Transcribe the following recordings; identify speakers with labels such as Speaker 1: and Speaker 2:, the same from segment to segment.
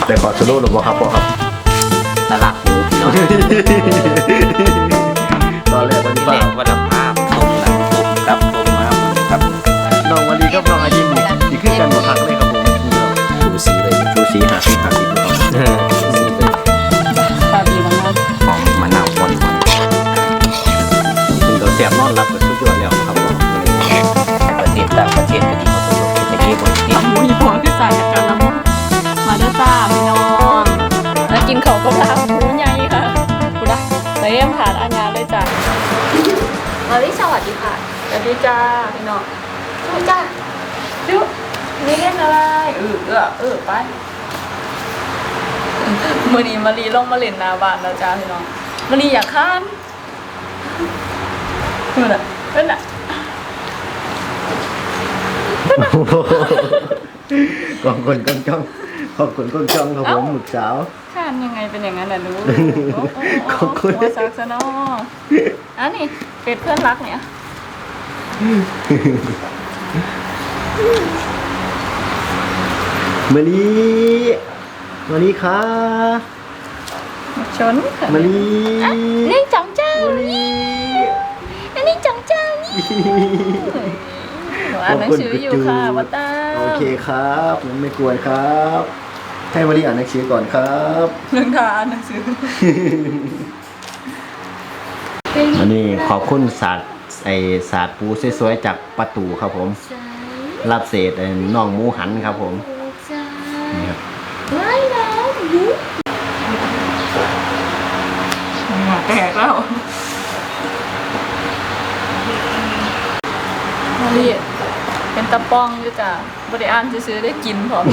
Speaker 1: แต่ขอสโลว์หรือเปล่าครับพ่อครับ
Speaker 2: ตลาดหมูพี่น้อง
Speaker 1: ตอนแรกวันนี้
Speaker 2: ที่แรกว่าภาพต้มกับต้มมาครับ
Speaker 1: น้องวันนี้กับน้องอายิมนี่ขึ้นกันมาพักเลยครับผม
Speaker 2: ดูสีเลย
Speaker 1: ชูสี50นะครับ
Speaker 2: สีเลย
Speaker 3: ตาดีมาก
Speaker 2: หอมมะนาวอ่อนกินตัวแซ่บนอนรับก็สุดยอดแล้วครับผมประเทศต่างประเทศก็ดีกว่าสุดยอดแต่ที่คนที่
Speaker 3: ๆมีผัวคือสายจากกันแล้วมาเด้อจ้าพี่น้องแล้วกินเขาก็พาหมูใหญ่ค่ะกูนะเต็มถาดอาญาเลยจ้ามาลิสวัสดีค่ะสวัสดีจ้าพี่น้องสวัสดีจ้าจุ๊บนี่เล่นอะไรไปมื่อนี้มารีลงมาเล่นหนาบ้านแล้วจ้าพี่น้องมารีอยากข้ามดูน่ะเป็นน่ะ
Speaker 1: กองคนกองจ้องขอบคุณกองจ้องครับผมหมึกสาว
Speaker 3: ข้ามยังไงเป็นอย่างนั้นน่ะรู้
Speaker 1: ขอบคุณ
Speaker 3: หัวซักซะเนาะอันนี้เป็ดเพื่อนรักเนี่ย
Speaker 1: มะลิค่ะ
Speaker 3: ชนค่ะ
Speaker 1: มะลิ
Speaker 3: นี่จังเจ้า
Speaker 1: มะลิ
Speaker 3: อันนี้จังเจ้านี่หนูอ่านหนังสืออยู่ค่ะวัตตา
Speaker 1: โอเคครับงั้นไม่กวนครับ ให้มะลิอ่านหนังสือก่อนครับ
Speaker 3: เรื่องทานหนังสือ
Speaker 1: อันนี้ขอบคุณศาสตร์ปูสวยๆจากประตูครับผมรับเศษน่องหมูหันครับผมนี่ครับ
Speaker 3: ว้ายน้ำยุบแตกแล้วมาลีเป็นตะป้องด้วยจ้ะบริอ่านซื้อได้กินพร้อม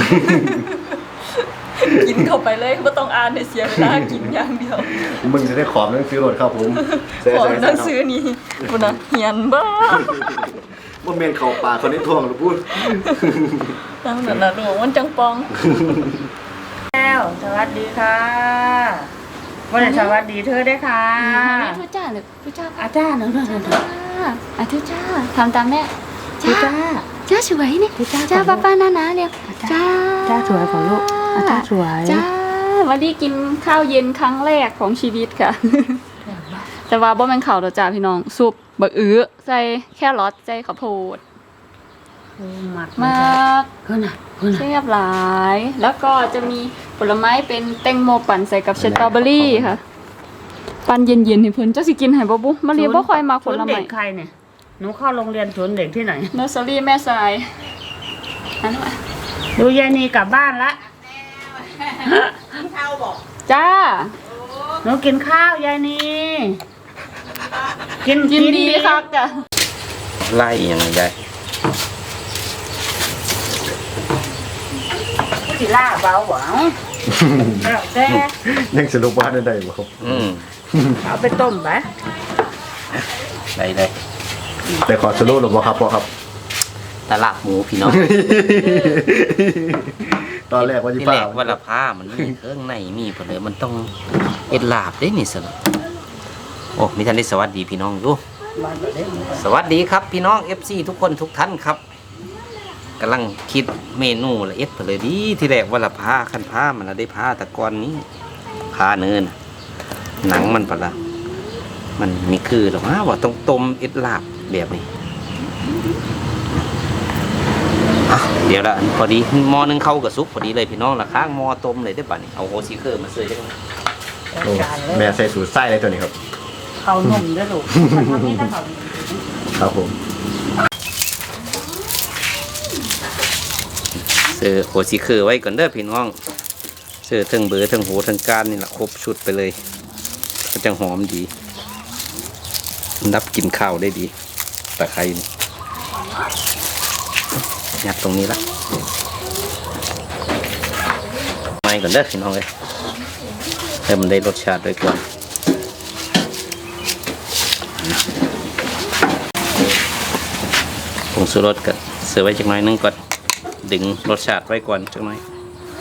Speaker 3: กินเข้าไปเลยไม่ต้องอ่านให้เสียเวลากินอย่างเดียว
Speaker 1: มึงจะได้ขอบหนังสือรถครับผม
Speaker 3: ขอหนังสือนี้คุณนะเหียนบ้า
Speaker 1: ว่าเมนเข่าปากคนนี้ทวงหรือพูด
Speaker 3: ตั้งแต่ละดวงมันจังปอง
Speaker 4: แล้วสวัสดีค่ะวันนี้สวัสดีเธอได้ค่ะ
Speaker 3: ทุจ้าหรือทุจ้า
Speaker 4: อาจารย์หนึ่ง
Speaker 3: ทุจ้าทำตามแม่
Speaker 4: ทุจ้า
Speaker 3: จ้าสวยนี่
Speaker 4: ทุจ้า
Speaker 3: จ้าป้าป้านานาเร็วจ้า
Speaker 4: จ้าสวยของลูกอาจารย์สวย
Speaker 3: จ้าวันนี้กินข้าวเย็นครั้งแรกของชีวิตค่ะ แต่ว่าบ่แม่นข้าวดอกจ้าพี่น้องซุปบักอื้อใส่แครอทใส่ข้าวโพด
Speaker 4: มาก
Speaker 3: มาก
Speaker 4: เพื่อนน่ะ
Speaker 3: เรียบหลาย แล้วก็จะมีผลไม้เป็นแตงโมปั่นใส่กับสตรอเบอรี่ค่ะ ปั่นเย็นๆให้เพิ่นเจ้าสิกินให้บ่บุมาเรียนบ่ค่อยมาผล
Speaker 4: เด็
Speaker 3: ไม้
Speaker 4: กใครเนี่ยหนูเข้าโรงเรียนสวนเด็กที่ไหน
Speaker 3: เนอร์เซอรี่แม่ทรายอันนั้นว่ะ
Speaker 4: ดูยายนีกลับบ้านละ
Speaker 3: จ้า
Speaker 4: หนูกินข้าวยายนีกิน
Speaker 3: ยินดีครับจ้ะ
Speaker 2: ไล่ยังไงได้
Speaker 4: สิล่าเบาหวานแต่
Speaker 1: ยังสรุปว่าได้บ่ครับ
Speaker 4: เอาไปต้มไป
Speaker 2: ได้
Speaker 1: แต่ขอสโลว์หรือเปล่าครับพ่อครับ
Speaker 2: ตลาดหมูพี่น้อง
Speaker 1: ตอนแรกว่าจะ
Speaker 2: ที่
Speaker 1: ป้า
Speaker 2: แรกว่าผ้ามันมีเครื่องในมีผลเลยมันต้องเอ็ดลาบได้นี่สนุกโอ้มีท่านได้สวัสดีพี่น้องดูสวัสดีครับพี่น้อง FC ทุกคนทุกท่านครับกำลังคิดเมนูละเอ็ดผลเลยดีที่แรกว่าผ้าขั้นผ้ามันละได้ผ้าตะกอนนี้ผ้าเนินหนังมันปะละมันมีคือหรอว่าต้องต้มเอ็ดลาบแบบนี้เดี๋ยวละพอดีหม้อนึงเข้ากับซุปพอดีเลยพี่น้องละข้างหม้อต้มเลยได้ป่ะนี่เอาโฮซิเคอร์มาเสยได้ไหม
Speaker 1: โอ้แม่ใส่สูตรไส้เลยตัวนี้ครับ
Speaker 4: เขานมด้วยลูกทำนี่ถ้าเขา
Speaker 1: ครับผม
Speaker 2: เสือโฮซิเคอร์ไว้ก่อนเด้อพี่น้องเสือทั้งเบอร์ทั้งโหทั้งการนี่แหละครบชุดไปเลยก็จะหอมดีนับกินข้าวได้ดีตะไคร้ยัดตรงนี้ละไม่ก่อนเด้อพี่น้องเลยให้มันได้รสชาติด้วยก่อนผงชูรสก็เสิร์ฟไว้จักหน่อยนึงก่อนดึงรสชาติไว้ก่อนจักหน่อย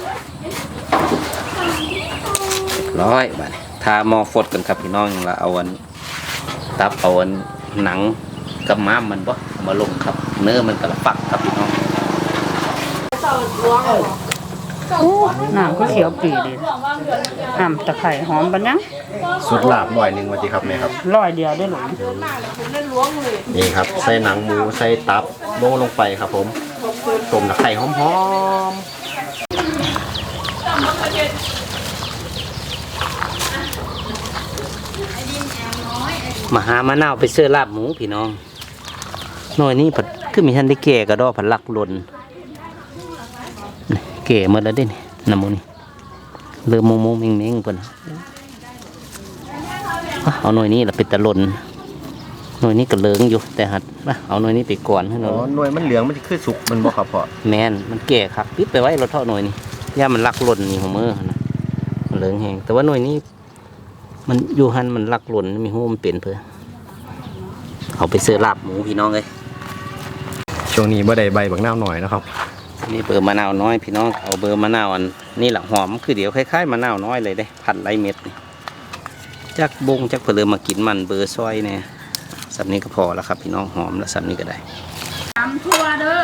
Speaker 2: ร้อยบาททาหม้อฟดกันครับพี่น้องอย่างละเอาวันตับเอาวันหนังกับม้ามมันบ่เอามาลงครับเนื้อมันกระปักครับพี่น้อง
Speaker 4: โอ้น้ำก็เขียวปีเลยน้ำตะไคร้หอมบันยัง
Speaker 1: สุดลาบหน่อยหนึงว่าติครับแม่ครับ
Speaker 4: 100เดียวได้หรอ
Speaker 1: นี่ครับใส่หนังหมูใส่ตับลงไปครับผมต้มตะไคร้หอมๆ
Speaker 2: มาหามะนาวไปเสื้อลาบหมูพี่น้องหน่อยนี้ผัดคือมีท่านได้แก่กระดอผัดลักหล่นนี่แก่หมดแล้วเด้นี่น้ำมูนี่เริ่มมงเม้งๆเพิ่นเอาหน่อยนี้ละเป็นตะหล่นหน่อยนี้ก็เหลืองอยู่แต่หัดเอาหน่อยนี้ไปก่อนให้หน่
Speaker 1: อ๋
Speaker 2: อ
Speaker 1: อย หน่วยมันเหลืองมันจะคือสุกมันบ่ครับพ่อ
Speaker 2: แมนมันแก่ครับปิดไปไว้เราเท่าหน่อยนี่ย่ามันลักหล่นนี่หัวมือนะมันเหลืองแห้งแต่ว่าหน่อยนี้มันอยู่หันมันลักหล่นมีหูมันเปลี่ยนเพื่อเอาไปเสื้อลาบหมูพี่น้องเลย
Speaker 1: ช่วงนี้บ่ได้ใบบักนาวหน่อยนะครับ
Speaker 2: นี่เบอร์มะนาวน้อยพี่น้องเอาเบอร์มะนาวอันนี่แหละหอมคือเดี๋ยวคล้ายๆมะนาวน้อยเลยได้พันไรเม็ดนี่จักบงจักเผลอมากินมันเบอร์ซอยเนี่ยสับนี้ก็พอแล้วครับพี่น้องหอมแล้วสับนี้ก็ได้
Speaker 4: ตำทั่วเด้อบ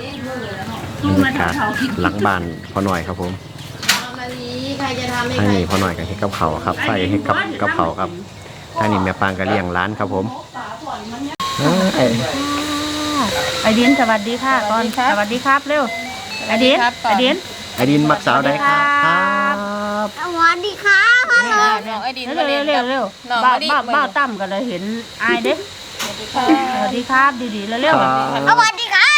Speaker 1: รรยากาศหลังบ้านพ่อหน่อยครับผมทางนี้พ่อหน่อยกับเฮ็ดกับเขาวครับใส่เฮ็ดกับเขาวครับทางนี้แม่ปางก็เลี้ยงร้านครับผม
Speaker 4: ไอดินสวัสดีค่ะก่อนสวัสดีครับเร็วไอดินไอดิน
Speaker 1: ไอดินมักสาวได้ครับ
Speaker 5: สวัสดีครับพ่อหนุ่ม
Speaker 3: น้องไอดิน
Speaker 4: เร็วเร็วเร็วบ้าตั้มกันเลยเห็นอายเด้สวัสดีครับดีๆเร็ว
Speaker 5: สวัสดีครับ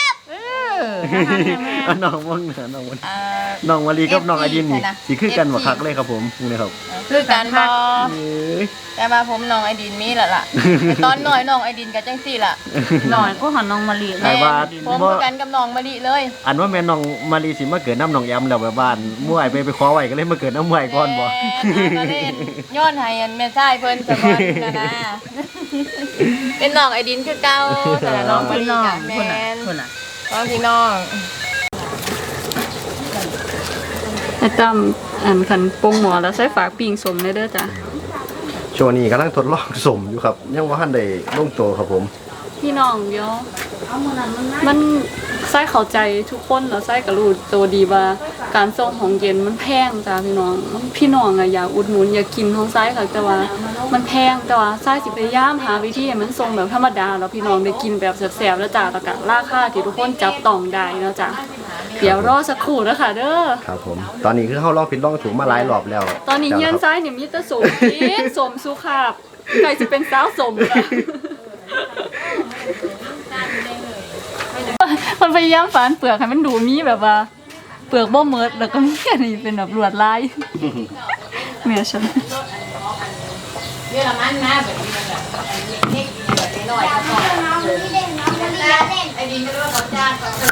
Speaker 1: น้องว่างเหนือน้องวลีกับน้องไอดินนี่สิคือกันบ่คักเลยครับผมนี่ครับ
Speaker 3: คือการบอแต่มาผมน้องไอดินมีแหละล่ะตอนหน่อยน้องไอดินกับจังสี่ล่ะ
Speaker 4: หน่อยก็หันน้องมะลิ
Speaker 1: ไอ้ว่า
Speaker 3: ผมคือกันกับน้องมะลิเลย
Speaker 1: อันว่าแม่น้องมารีสิมาเกิดน้ำน้องแอมแล้วแบบบ้านมั่วไปขอไว้ก็เลยมาเกิดน้ำมั่วก่อนบ่
Speaker 3: ก็เลยย้อนให้อันแม่ชายเพิ่นจะก่อนนะเป็นน้องไอดินคือเก่าแต่น้องมะ
Speaker 4: พี่
Speaker 3: ลิ
Speaker 4: น้อง
Speaker 3: กับ
Speaker 4: คน
Speaker 3: แม่
Speaker 4: น่ะ
Speaker 3: น
Speaker 4: คนน่ะ
Speaker 3: น้องพี่น้อง
Speaker 6: ไอ้ตั้มอันคันปรุงหมอแล้วใส่ฝากปิ่งสมเลยเด้อจ้ะ
Speaker 1: ช่วงนี้กำลังทดลองสมอยู่ครับยังว่าทันได้ลงตัวครับผม
Speaker 6: พี่น้องเดี๋ยวมันใส่เข้าใจทุกคนแล้วใส่กระรู้ตัวดีว่าการส่งของเย็นมันแพงจ้ะพี่น้องอะอยากอุดหนุนอยากกินของไส้ค่ะแต่ว่ามันแพงแต่ว่าไส้สิพยายามหาวิธีให้มันส่งแบบธรรมดาแล้วพี่น้องได้กินแบบแซ่บๆแล้วจ้ะแล้วก็ราคาที่ทุกคนจับต้องได้เนาะจ้ะเดี๋ยวรอสักครู่นะคะเด้อ
Speaker 1: ครับผม ตอนนี้คือเข้าลองผิดลองถูกมาหลายรอบแล้ว
Speaker 6: ตอนนี้เฮียนซ้ายเนี่ยมีแต่สมกินสมสุขาบไก่จะเป็นสาวสมค่ะมันพยายามฝานเปลือกให้มันดูมีแบบว่า เปลือกบ่เมิดแล้วก็มีอันนี้เป็นแบบลวดลายเมียฉัน
Speaker 5: น้องมันนี่เด่นน้องมันนี่เด่น
Speaker 3: ไอดินก็เรียกว่าจาน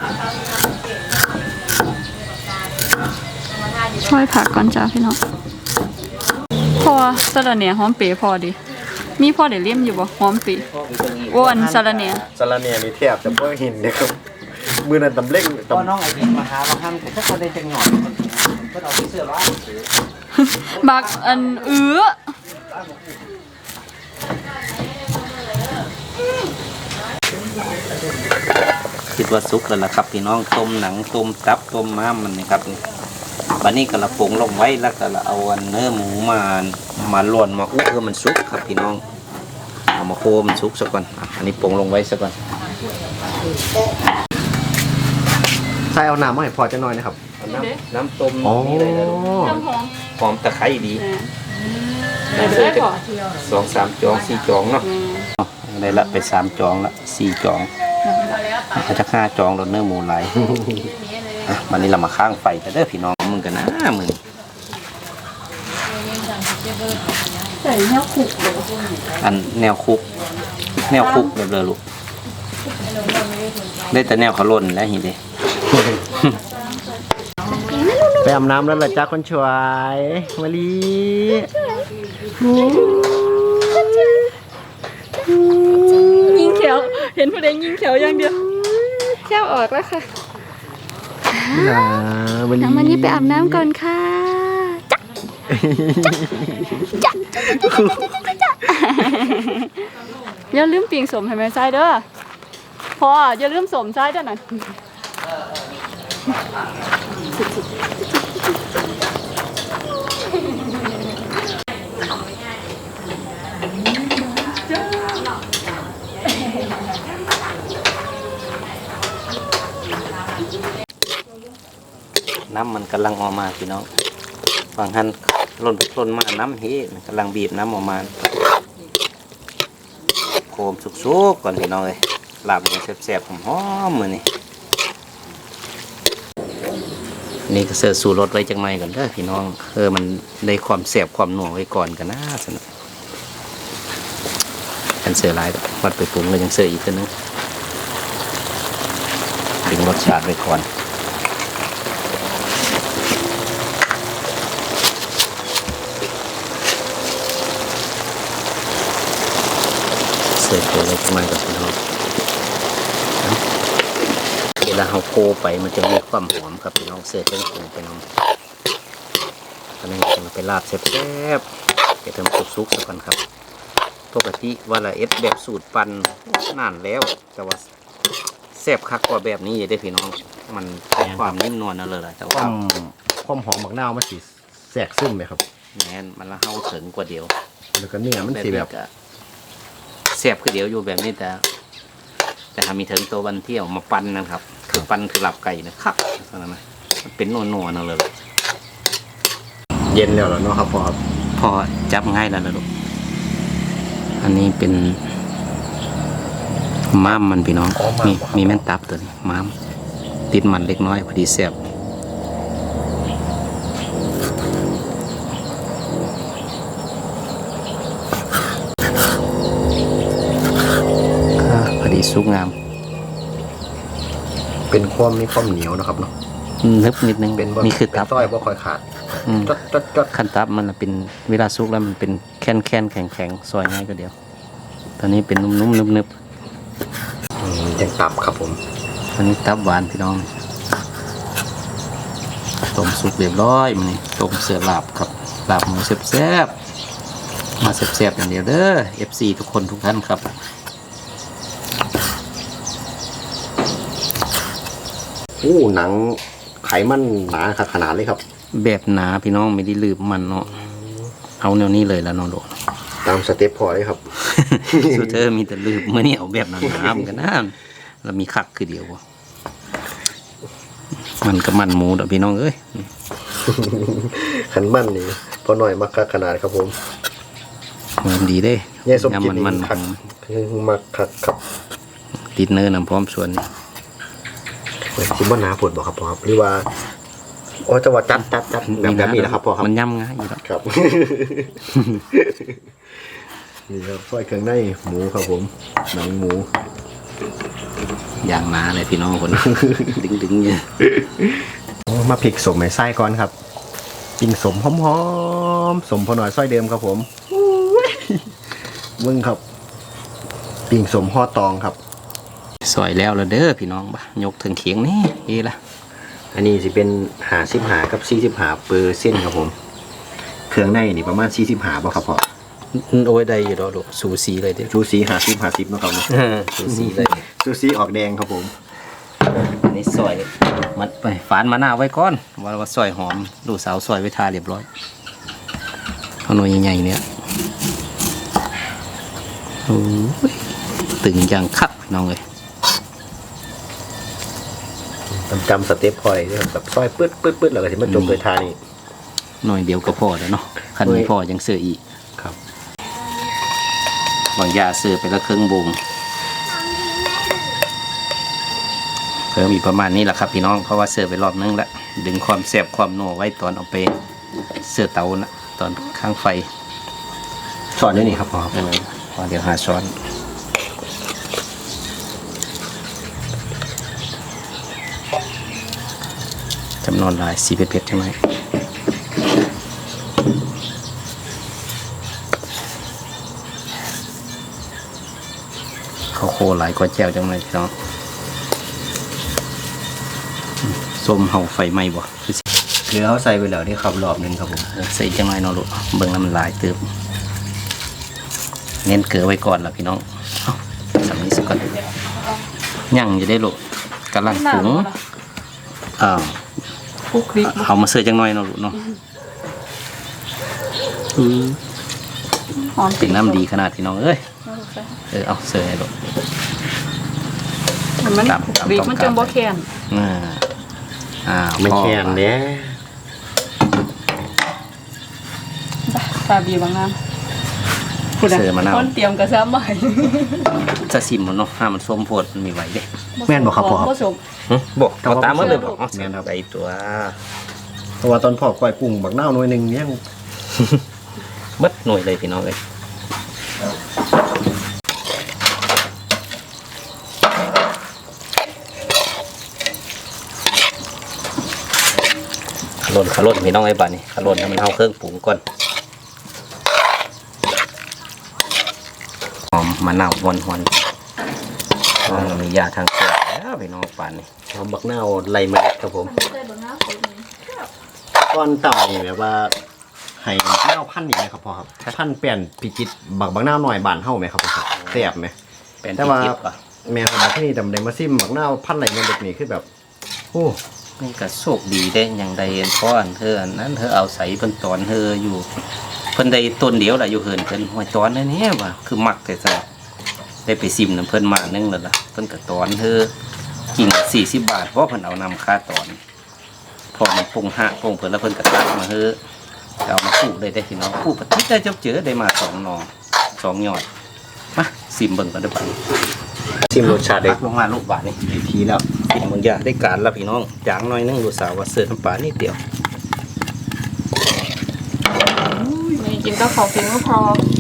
Speaker 6: ช่วยผักก่อนจ้าพี่น้องพอสะระเนี่ยหอมเป๋พอดิมีพอเดี๋ยวเลี่ยมอยู่บ่หอมปีอ้วนสะระเนี่ย
Speaker 1: สารเนียนี่แทบจะบ่เห็นเลยครับมือนั้นตำเล่ง
Speaker 2: ตอนน้องไอดินมาหาบางครั้งถ้าคนได้จังหน่อยก็เอาไปเสื้อร้าน
Speaker 6: บักอัน
Speaker 2: คิดว่าสุกแล้วล่ะครับพี่น้องต้มหนังต้มตับต้มม้ามมันนะครับวันนี้ก็ละปรุงลงไว้แล้วก็ละเอาอันเนื้อหมูมาล้วนมาอุ้เพื่อมันสุกครับพี่น้องเอามาโคมันสุกซะก่อนอันนี้ปรุงลงไว้ซะก่อน
Speaker 1: ใส่เอาน้ำมาให้พอจะน้อยนะครับ
Speaker 2: น้ำต้ม
Speaker 1: อ๋อ
Speaker 2: นี่เลยนะลูก
Speaker 6: น้ำหอม
Speaker 2: หอมตะไคร้ดี
Speaker 6: แต่ได้ก่อน
Speaker 2: 2-3 จอง 4 จองเนาะได้ละไป3 จองละ4 จองถ้าจะ5 จองรถเนื้อหมูไหลายวันนี้เรามาข้างไฟแต่เด้อพี่น้องมึงกันนะมึง
Speaker 6: ใส่แนวขุก
Speaker 2: อันแนวคุกแบบเลยลูกได้แต่แนวเขาล่นแล้วเห็นดิ
Speaker 1: ไปอาบน้ำแล้วล่ะจ้าคนช่วยมาลี
Speaker 6: ยิงแขวเห็นผู้ใดยิงแขวอย่างเดียวแขวออกแล้วค่ะ
Speaker 1: มาลี
Speaker 6: น้ำมันนี่ไปอาบน้ำก่อนค่ะอย่าลืมปิ่งสมให้แม่ใส่เด้อพออย่าลืมสมใส่เด้อนั่น
Speaker 2: ำมันกำลังออกมาพี่น้องฝั่งหันล่นมาน้ำเฮมันกำลังบีบน้ำออกมาโคมสุกๆก่อนพี่น้องเลยลาบมันแซ่บๆหอมๆมือนี่นี่ก็เสิร์ฟสู่รสไว้จังไงก่อนเด้อพี่น้องมันได้ความแซ่บความหนัวไว้ก่อนกันนะสนุกกันเสิร์ฟหลายวัดไปปรุงก็ยังเสิร์ฟอีกตัวนึงดึงรสชาติไว้ก่อนเสิร์ฟตัวไว้จังไงก่อนพี่น้องเวลาเราโคไปมันจะมีความหอมครับพี่น้องเสิร์ฟเป็นผงไปน้องตอนนี้จะไปลาบแซ่บๆเดี๋ยวเติมซุกๆสักก่อนครับปกติว่าละเอ็ดแบบสูตรปั่นนานแล้วแต่ว่าแซ่บคักกว่าแบบนี้ได้พี่น้องมันความนิ่มนวลนั่นเลยแต่ว่า
Speaker 1: ความหอมหมักนาวมันสิแทรกซึมไหมครับ
Speaker 2: แน่นมันละเฮาถึงกว่าเดียว
Speaker 1: แล้วก็เนื้อมันสิแบบ
Speaker 2: แซ่บคือเดียวอยู่แบบนี้แต่ถ้ามีถึงตัววันเที่ยวมาปั่นนะครับคือปั่นคือหลับไก่นะครับนั่นนะมันเป็นนัวๆนั่นเลย
Speaker 1: เย็นแล้วเหรอเนาะครับพ่อครับ
Speaker 2: พอจับง่ายแล้วนะลูกอันนี้เป็นม้ามมันพี่น้องมีแม่นตับตัวนี้ม้ามติดมันเล็กน้อยพอดีแซ่บพอดีสุกงาม
Speaker 1: เป็นมีความเหนียวนะครับเนาะ
Speaker 2: นึบนิดนึง
Speaker 1: เป็น
Speaker 2: นี่คือตับ
Speaker 1: ต้อยบ่ค่อยขาด จด
Speaker 2: ขั้นตับมันเป็นเวลาสุกแล้วมันเป็นแข็งแข็งซอยง่ายก็เดียวตอนนี้เป็นนุ่มๆนึบ
Speaker 1: ยังตับครับผม
Speaker 2: ตอนนี้ตับหวานพี่น้องต้มสุกเรียบร้อยมันนี่ต้มเสือลาบครับลาบหมูแซ่บๆมาแซ่บๆอย่างเดียวเด้อ FC ทุกคนทุกท่านครับ
Speaker 1: หนังไขมันหนาขนาดเลยครับ
Speaker 2: แบบหนาพี่น้องไม่ได้ลืมมันเนาะเอาแนวนี้เลยแล้วเนาะโด
Speaker 1: ตามสเต็ปพอเลยครับ
Speaker 2: สุดเธอมีแต่ลืมเมื่อนี้เอาแบบหนาๆเหมือนกันนะแล้วมีคักคือเดียวมันกับมันหมูเด้อพี่น้องเอ้ย
Speaker 1: ขันมันนี่พอหน่อยมักคักขนาดครับผม
Speaker 2: มันดีเด้
Speaker 1: แย่สมกิน
Speaker 2: มัน
Speaker 1: คักมักคักครับ
Speaker 2: ติดเนื้อน้ำพร้อมส่วน
Speaker 1: คิดว่าหนาปวดบอกครับพ่อครับหรือว่าจะว่าจัดแบบนี้นะครับพ่อครับ
Speaker 2: มันย่ำง่ายอยู่แล้ว
Speaker 1: ครับ นี่ครับซอยเครื่องในหมูครับผมหนังหมู
Speaker 2: อย่างหนาเลยพี่น้องคน ดึงเนี่ย
Speaker 1: มาพริกสมไม้ไส้ก่อนครับปิ้งสมหอมๆสมพอหน่อยซอยเดิมครับผมมึงครับปิ้งสมห่อตองครับ
Speaker 2: ซอยแล้วเด้อพี่น้องบ่ยกถึงเขียงนี่ดีละ
Speaker 1: อันนี้สิเป็น55 กับ 45%ครับผมเครื่องในนี่ประมาณ45บ่ครับพ่อ
Speaker 2: โอ้ยได้อยู่ดอกสูสีเลยเด้อ
Speaker 1: ชูสี50เนาะครับเนาะ
Speaker 2: สูสีเลย
Speaker 1: ชูสีออกแดงครับผม
Speaker 2: อันนี้ซอยมัดไปฝานมะนาวไว้ก่อนว่าซอยหอมลูกสาวซอยไว้ทาเรียบร้อยเอาหน่วยใหญ่ๆเนี่ยโอ้ยตึงอย่างคักน้องเลย
Speaker 1: จำสเต็ปพอยแบบซอยปื๊ดแล้วก็สิมาจบด้วยทานี่
Speaker 2: หน่อยเดียวก็พอแล้วเนาะคันไม่พอยังเสืออีก
Speaker 1: ครับ
Speaker 2: บางยาเสือไปละครึ่งบุงเพิ่มอีกประมาณนี้แหละครับพี่น้องเพราะว่าเสือไปรอบนึงแล้วดึงความแสบความนัวไว้ตอนเอาไปเสือเตานะตอนข้างไฟ
Speaker 1: สอนด้วยนี่ครับพ่อ
Speaker 2: พอเดี๋ยวหาช้อนจำนวนหลายสีเผ็ดๆใช่ไหมข้าวโคหลายกว่าแจ่วจังเลยพี่น้องส้มเห่าไฟไหม้บ่คือสิ
Speaker 1: เกลือเขาใส่ไปแล้วนี่ครับรอบนึงครับผม
Speaker 2: ใส่จังไรเนาะลูกเบิ่งน้ำลายเติมเน้นเกลือไว้ก่อนล่ะพี่น้องเอาสำนี้สักก่อนย่างจะได้ลูกกำลังปรุงอ้าว
Speaker 6: คลุกคลิก
Speaker 2: เอามาเสิร์ฟจังหน่อยเนาะลูกเนาะ
Speaker 6: หอม
Speaker 2: เป็นน้ำดีขนาดพี่น้องเอ้ยเอาเสิร์ฟให้ลูก
Speaker 6: มันคลุกคลิกมันจังบ่แข็ง
Speaker 2: อ่า
Speaker 1: ไม่แข็งเด้
Speaker 6: ซาบีบางน้ำคุณ
Speaker 2: เสือมะนาว
Speaker 6: คนเตรียมกระซ้ำใหม่
Speaker 2: จะซิมมันเนาะห้ามันส้มโพดมันมีไหวเด้
Speaker 1: แม่นบอกครับพ่อ
Speaker 6: ผสม
Speaker 2: บอกเอาตามมันเลยบอก
Speaker 1: แม่นครับ
Speaker 2: ไปตัว
Speaker 1: เพราะว่าตอนพ่อก้อยกุ้งบักนาวหน่วยหนึงเนี่ย
Speaker 2: มัดหน่วยเลยพี่น้องเลยขลุ่นพี่น้องไอ้บ้านนี่ขลุ่นให้มันเอาเครื่องปรุงก่อนหอมมะนาวหวนต้องมียาทางเสียแล้วพี่น้องป่านนี่
Speaker 1: เอาบักนาวไล่เมาครับผมตอนเต่านี่แบบว่าให้นาวพันธุ์นี่ไหมครับพ่อครับพันธุ์เปลี่ยนพิจิตรบักนาวหน่อยบานเฮาไหมครับพ่อครับแซ่บไหม
Speaker 2: เป็น
Speaker 1: แต่
Speaker 2: ที่
Speaker 1: ว่า
Speaker 2: คิดป่ะ
Speaker 1: แม่ครับที่นี่ดำเดมาซิมบักนาวพันธุ์ไหลมันเด็กนี่คือแบบโอ้
Speaker 2: นี่ก็โชคดีได้อย่างใดเพราะอันเธออันนั้นเธอเอาใส่เพิ่นตอนเธออยู่เพิ่นได้ต้นเดียวล่ะอยู่เหินเพิ่นหัวตอนนั่นนี่ว่ะคือมักแต่ซะได้ไปซิมน้ำเพิ่นมานึงแล้วล่ะเพิ่นก็ตอนเธอกิ่ง40 บาทเพราะเพิ่นเอานำค่าตอนพอมันปรุงหักปรุงเพิ่นแล้วเพิ่นก็ตักมาเฮอเอามาปลูกได้พี่น้องปลูกปฏิได้เจอได้มา2 หน่อ 2 ยอดมาซิมเบิ่งกันเด้อบัดนี้
Speaker 1: ซิมรสชาติ
Speaker 2: ตั
Speaker 1: ได้
Speaker 2: กลงมาลูกบาทนี่
Speaker 1: ทีแล้ว
Speaker 2: กินบางอย่างได้การแล้วพี่น้องจางหน่อยนึงดูสาวว่าเสิร์ฟน้ำปลานิดเดียว
Speaker 6: นี่กินก็ขอฟิ้งก็พอ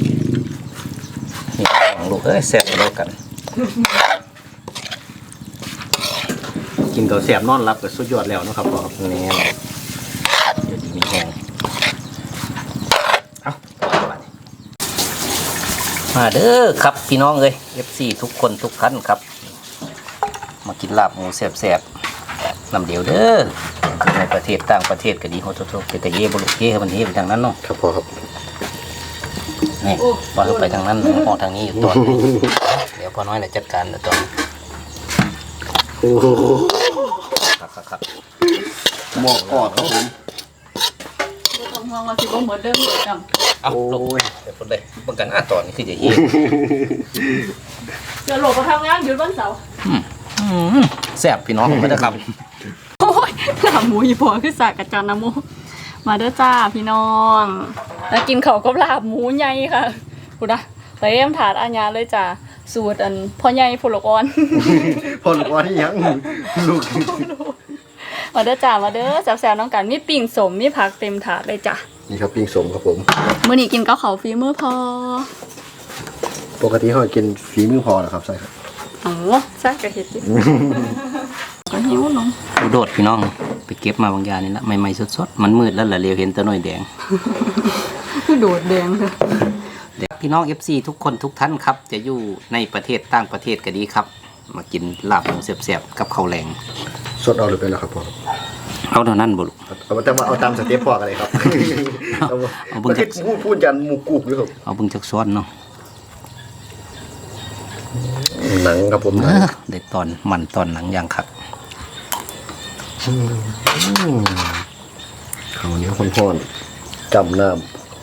Speaker 2: นี่ของลูกเอ้ยแซ่บแล้วกัน
Speaker 1: กินกับแซ่บนอนรับก็สุดยอดแล้วเนาะครับพ่อครับ
Speaker 2: แน่เดี๋ยวดีมีแห้งเอามาเด้อครับพี่น้องเอ้ย FC ทุกคนทุกท่านครับ มากินลาบหมูแซ่บๆน้ำเดียวเด้อในประเทศต่างประเทศก็ดีโหทุกๆเป็นแต่เย่บุรุษเย่มันเย่ไปทางนั้นเนาะ
Speaker 1: ครับพ่อครับ
Speaker 2: นี่ว่าเราไปทางนั้นออกทางนี้อยู่ตัว เดี๋ยวพอน้อยน่ะจัดการตัว
Speaker 1: โอ้โห
Speaker 2: ครับ
Speaker 1: หมอกกอดครับผม
Speaker 6: ไม่ต้องห่วงว่าสิบ่เหมือนเดิมเลยจัง
Speaker 2: เอาลงเดี๋ยวพูดเลยเบิ่งกันตอนนี้คือจะเย่
Speaker 6: เดี๋ยวโหลดมาทำงานหยุดวันเสาร์
Speaker 2: แซ่บพี่น้องไม่ได้ครับ
Speaker 6: โอ้ยหน้าหมูอีพอคือสากกับจานน้ำหมูมาเด้อจ้าพี่น้อง แล้วกินเขาวกับลาบหมูใหญ่ค่ะกูนะเตรียมถาดอาญาเลยจ้าสูตรอันพ่อใหญ่ผลกอ่อน
Speaker 1: พ่อลูกว่าที่ยังลูก
Speaker 6: มาเด้อจ้ามาเด้อแซวๆน้องกันมีปิ่งสมมีผักเต็มถาดเลยจ้ะ
Speaker 1: นี่ครับปิ้งสมครับผม
Speaker 6: มื้อนี้กินกับข้าวฝีมือพอ
Speaker 1: ปกติเขากินฝีมือพอเหรอครับใช่ครับ
Speaker 6: อ๋อแซ่บกะเฮ็ดดิก็หิวน้อง
Speaker 2: โดดพี่น้องไปเก็บมาบางอย่างนี่ละใหม่ๆสดๆมันมืดแล้วล่ะเรียวเห็นตัวหน่อยแดง
Speaker 6: คือโดดแดงค่ะ
Speaker 2: เดี๋ยวพี่น้อง FC ทุกคนทุกท่านครับ จะอยู่ในประเทศต่างประเทศก็ดีครับ มากินลาบหมูแซ่บๆกับข้าวแรง
Speaker 1: สดเอาหรือเป็นแล้วครับพ่อ
Speaker 2: เอาเท่านั้นบ่ลูก
Speaker 1: เอาแต่ว่าเอาตามสเต็ปพ่อกันเลยครับ
Speaker 2: เอาเบิ่งจาก
Speaker 1: พูดจันหมูกรุบด้วยครับ
Speaker 2: เอาเบิ่งจักซ้อนเนาะ
Speaker 1: หนังครับผมหนัง
Speaker 2: ได้ตอนมันตอนหนังอย่างคัก
Speaker 1: ข้าวเหนียวข้นๆจำน้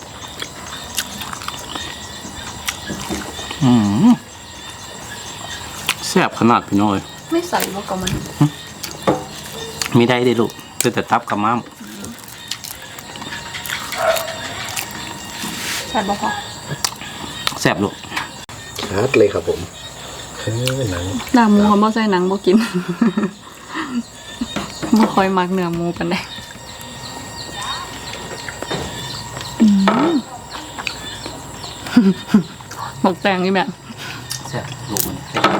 Speaker 2: แซ่บขนาดพี่น้อย
Speaker 6: ไม่ใส่บ่ก็มัน
Speaker 2: มีได้ได้ลูกคือแต่ตับกับม้าม
Speaker 6: ใส่บ่พอ
Speaker 2: แซ่บลูก
Speaker 1: ำชัดเลยครับผมหนัง
Speaker 6: หน้าหมูเขาบ่ใส่หนังบ่กิน บ่ค่อยมักเนื้อหมูปานใดบอกแตงนี่แม่
Speaker 2: แซ่บลูกมัน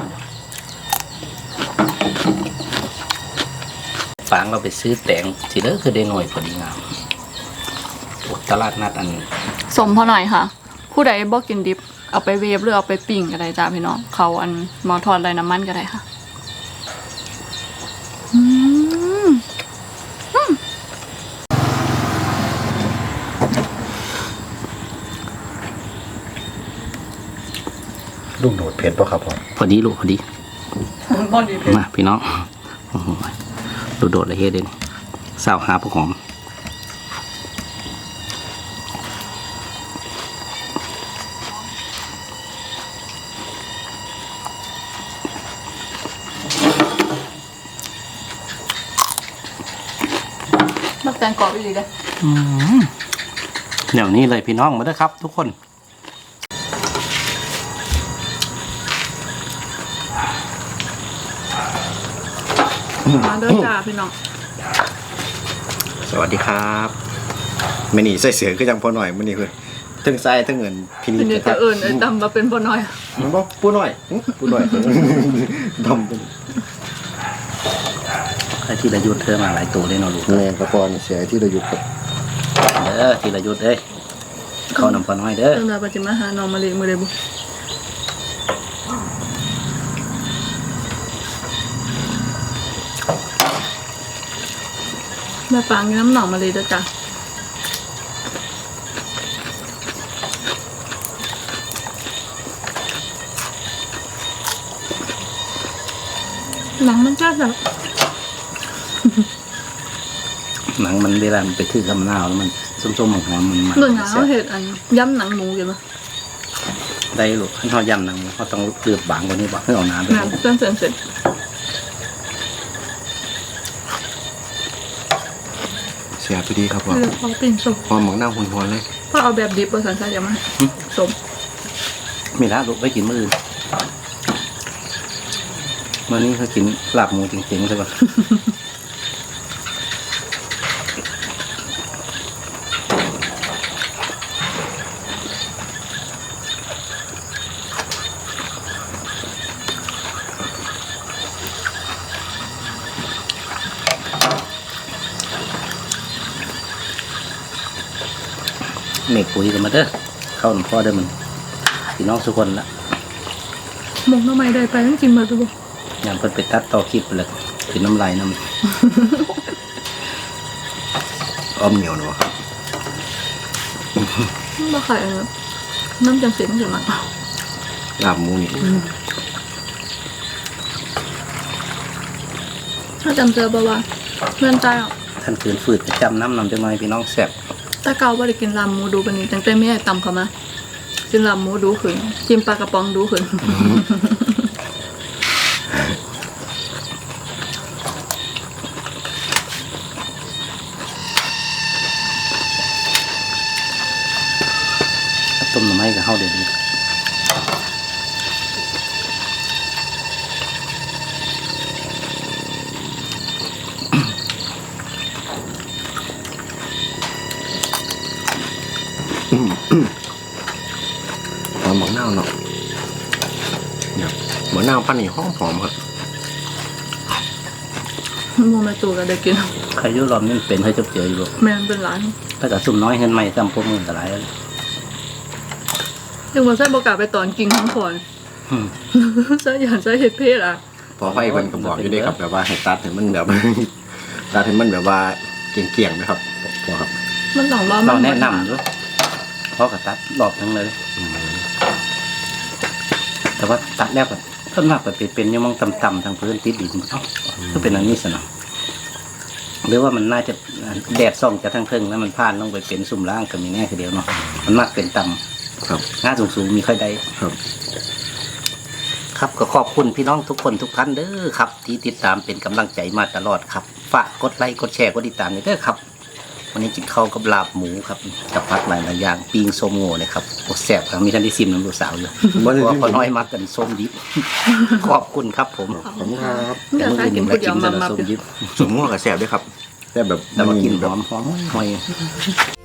Speaker 2: ฟางเราไปซื้อแตงสิเด้อคือได้หน่อยพอดีงามโอ้ตลาดนัดอัน
Speaker 6: สมพอหน่อยค่ะ ผู้ใดบ่กินดิบเอาไปเวฟหรือเอาไปปิ้งก็ได้จ้าพี่น้องเขาอันหมอทอดไรน้ำมันก็ได้ค่ะ
Speaker 1: ลูกโดดเผ็ดป่ะครับพ่อ
Speaker 2: พอดีลูกพอดี
Speaker 6: บ่ดีเผ็ด
Speaker 2: มาพี่น้องโอ้โหโดดๆเลยเฮ็ดเด่นสาวหาพวกหอม
Speaker 3: แตงกรอบอีกเลย
Speaker 2: อย่างนี้เลยพี่น้องมาเด้อครับ ทุกคน
Speaker 3: มาเด้อจ้าพี่น้อง
Speaker 1: สวัสดีครับไม่นี่ใส่เสือก็ยังพอหน่อยมันนี่คือทั้งไส้ทั้งเงินพินิจ
Speaker 3: ทีนี้
Speaker 1: ครั
Speaker 3: จะ
Speaker 1: บ
Speaker 3: เอิญไอ้ดำมาเป็นบ่น้อย
Speaker 1: มันบอกปูหน่อยปูหน่อยดำเป็น
Speaker 2: ใครที่ระยุทธ์เธอมาหลายตัวเลยเนาะลูก
Speaker 1: แม่กระปอนเสียที่เราหยุดครับ
Speaker 2: เด้อที่ระยุทธ์เอ้ยเข้านำพอน้อยเด้อ
Speaker 3: เริ่มมาปัจจิมาหาน้องมาเลยมือเลยบุแม่ปางกินน้ำหนองมาเลยเด้อจ้าหนังมันจ้าแบบ
Speaker 2: หนังมันเวลามันไปทื่อกับมะนาวแล้วมันส้มๆหอมๆมัน
Speaker 3: เรื่องหนังเขาเห็ดอันย้ำหนังหมูกันปะ
Speaker 2: ได้ลูกให้เขายำหนังเขาต้องเลือบบางกว่านี้บ่ให้เอาน้ำไป
Speaker 3: หนังเส้นเสร็จ
Speaker 1: เสียพอดีครับว่า
Speaker 3: เลือกพอปิ้งสุก
Speaker 1: พอหมักหน้าหุ่นๆเลย
Speaker 3: พอเอาแบบดิบภาษาไทยจะมาสม
Speaker 2: มีละลูกไปกินมื้ออื่นมื้อนี้เขากินลาบหมูจริงๆใช่ปะ เมฆปุ๋ยกันมาเด้อเข้าหลวงพ่อเด้อมันพี่น้องทุกคนละ
Speaker 3: มงทำไมได้ไปต้องกินมาดูบ่
Speaker 2: อย่างเพิ่นไปตัดต่อคลิปไปเลยกินน้ำลายน้ำ
Speaker 1: อ้อมเหนียวเนาะครับ
Speaker 3: บ่ขายน้ำจังเสียงจังหนัก
Speaker 1: ลาบหมูนี่
Speaker 3: ถ้าจำเจอบ่ว่าเพื่อนตายอ่ะ
Speaker 2: ท่านคืนฝืดประจำน้ำนำจังหน่อยพี่น้องแซ่บ
Speaker 3: ตาเก่าบ่ได้กินลำหมูดูปานนี้ตั้งแต่แม่ตำเขามากินลำหมูดูขึ้นกินปลากระป๋องดูขึ้น
Speaker 2: ต้มหน่อไม้กับข้าวเดี๋ยวนี้
Speaker 1: หอมหมักหน้าเนาะเนี่ยหมักหน้าปั้นนี่หอมครับ
Speaker 3: โมแม่ตัวก็ได้กิน
Speaker 2: ใครอยุ่รอบนี้เป็นให้จบเจออยู่บ่
Speaker 3: แม่นเป็นร้าน
Speaker 2: ถ้ากับซุ่มน้อยเห็นไหมจำพวกมือแต่หลายแล้ว
Speaker 3: ยังบ่ใส่บ่กล้าไปตอนกินของก่อน
Speaker 2: อืม
Speaker 3: ใส่อย่างใส่เฮ็ดเพศอ่ะ
Speaker 1: พอไฟมันก็บอกอยู่ด้วยครับแบบว่าให้ตัดให้มันแบบ ตัดให้มันแบบว่าเกี่ยงๆนะครับพอครับ
Speaker 3: มันต้องว่ามั
Speaker 2: เราแนะนำด้วยเพราะกับตัดรอบทั้งเลย แต่ว่าตัดแล้วก็ต้นมากไปเป็นอยังมองต่ำๆทางพื้นติดดินเอ้าก็เป็นอันนี้สนะหรือว่ามันน่าจะแดดส่องจากทางเทิงแล้วมันผ่านลงไปเป็นซุ่มล่างก็มีแน่ทีเดียวเนาะมันมากเป็นต่ำ
Speaker 1: ครับ
Speaker 2: หน้าสูงๆมีค่อยได้
Speaker 1: ครับ
Speaker 2: ครับก็ขอบคุณพี่น้องทุกคนทุกท่านเด้อครับ ที่ติดตามเป็นกำลังใจมาตลอดครับฝากกดไลค์กดแชร์กดติดตามด้วยเด้อครับ วันนี้กินข้าวกับลาบหมูครับกับผักหลายๆอย่างปิ้งส้มโง่นะครับโอ้แซ่บครับมีท่านที่ซิมน้ำลูกสาวอยู่เพราะว่าพอน้อยมากกันส้มดิบ ขอบคุณครับผม
Speaker 1: ขอบคุณครับ
Speaker 3: อยากใส่กินผู้เดียวมา
Speaker 2: ส้มดิบ
Speaker 1: สมมติว่ากับแสบด้วยครับแต่แบบ
Speaker 2: แต่ว่ากินห
Speaker 1: แบ
Speaker 2: อบ มหอมหอย